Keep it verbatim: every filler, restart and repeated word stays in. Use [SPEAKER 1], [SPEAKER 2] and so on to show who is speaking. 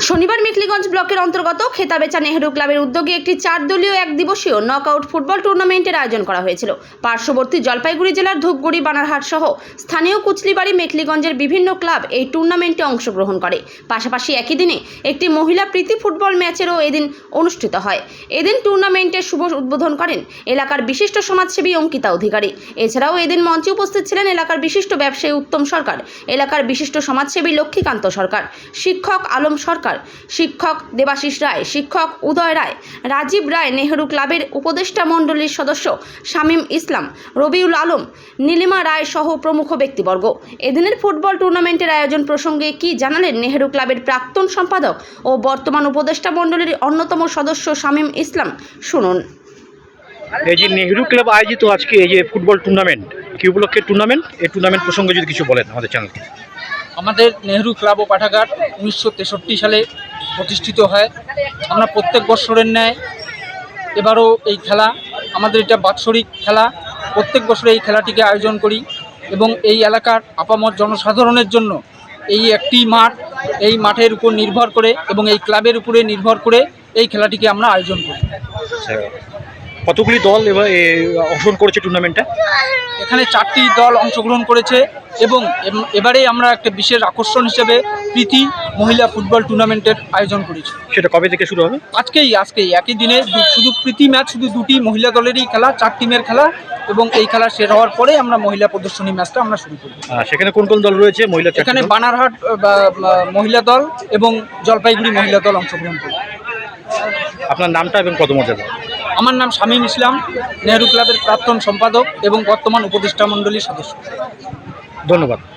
[SPEAKER 1] শনিবার মেখলিগঞ্জ ব্লকের অন্তর্গত খেতাবেচা নেহেরু ক্লাবের উদ্যোগে একটি চার দলীয় এক দিবসীয় নকআউট ফুটবল টুর্নামেন্টের আয়োজন করা হয়েছিল। পার্শ্ববর্তী জলপাইগুড়ি জেলার ধূপগুড়ি, বানারহাট সহ স্থানীয় কুচলিবাড়ি, মেখলিগঞ্জের বিভিন্ন ক্লাব এই টুর্নামেন্টে অংশগ্রহণ করে। পাশাপাশি একই দিনে একটি মহিলা প্রীতি ফুটবল ম্যাচেরও এদিন অনুষ্ঠিত হয়। এদিন টুর্নামেন্টের শুভ উদ্বোধন করেন এলাকার বিশিষ্ট সমাজসেবী অঙ্কিতা অধিকারী। এছাড়াও এদিন মঞ্চে উপস্থিত ছিলেন এলাকার বিশিষ্ট ব্যবসায়ী উত্তম সরকার, এলাকার বিশিষ্ট সমাজসেবী লক্ষ্মীকান্ত সরকার, শিক্ষক আলম সরকার, শিক্ষক দেবাশিস রায়, শিক্ষক উদয় রায়, রাজীব রায়, নেহেরু ক্লাবের উপদেষ্টা মণ্ডলীর সদস্য শামীম ইসলাম, রবিউল আলম, নীলিমা রায় সহ প্রমুখ ব্যক্তিবর্গ। এদিনের ফুটবল টুর্নামেন্টের আয়োজন প্রসঙ্গে কি জানালেন নেহেরু ক্লাবের প্রাক্তন সম্পাদক ও বর্তমান উপদেষ্টা মণ্ডলীর অন্যতম সদস্য শামীম ইসলাম, শুনুন।
[SPEAKER 2] এই যে নেহেরু ক্লাব আয়োজিত আজকে এই যে ফুটবল টুর্নামেন্ট, কি উপলক্ষে টুর্নামেন্ট, এই টুর্নামেন্ট প্রসঙ্গে যদি কিছু বলেন আমাদের চ্যানেলকে।
[SPEAKER 3] আমাদের নেহেরু ক্লাব ও পাঠাগার উনিশশো তেষট্টি সালে প্রতিষ্ঠিত হয়। আমরা প্রত্যেক বছরের ন্যায় এবারও এই খেলা, আমাদের এটা বাৎসরিক খেলা, প্রত্যেক বছরে এই খেলাটিকে আয়োজন করি এবং এই এলাকার আপামর জনসাধারণের জন্য এই একটি মাঠ, এই মাঠের উপর নির্ভর করে এবং এই ক্লাবের উপরে নির্ভর করে এই খেলাটিকে আমরা আয়োজন করি।
[SPEAKER 2] কতগুলি দল এবার অংশগ্রহণ করেছে টুর্নামেন্টে?
[SPEAKER 3] এখানে চারটি দল অংশগ্রহণ করেছে এবং এবারে আমরা একটা বিশেষ আকর্ষণ হিসেবে প্রীতি মহিলা ফুটবল টুর্নামেন্টের আয়োজন করেছি।
[SPEAKER 2] সেটা কবে থেকে শুরু হবে?
[SPEAKER 3] আজকেই আজকেই একই দিনে শুধু প্রীতি ম্যাচ, শুধু দুটি মহিলা দলেরই খেলা, চার টিমের খেলা এবং এই খেলা শেষ হওয়ার পরে আমরা মহিলা প্রদর্শনী ম্যাচটা আমরা শুরু করব।
[SPEAKER 2] সেখানে কোন কোন দল রয়েছে? মহিলা
[SPEAKER 3] এখানে বানারহাট মহিলা দল এবং জলপাইগুড়ি মহিলা দল অংশগ্রহণ করবে।
[SPEAKER 2] আপনার নামটা এবং পদমর্যাদা?
[SPEAKER 3] আমার নাম শামীম ইসলাম, নেহেরু ক্লাবের প্রাক্তন সম্পাদক এবং বর্তমান উপদেষ্টা মণ্ডলীর সদস্য।
[SPEAKER 2] ধন্যবাদ।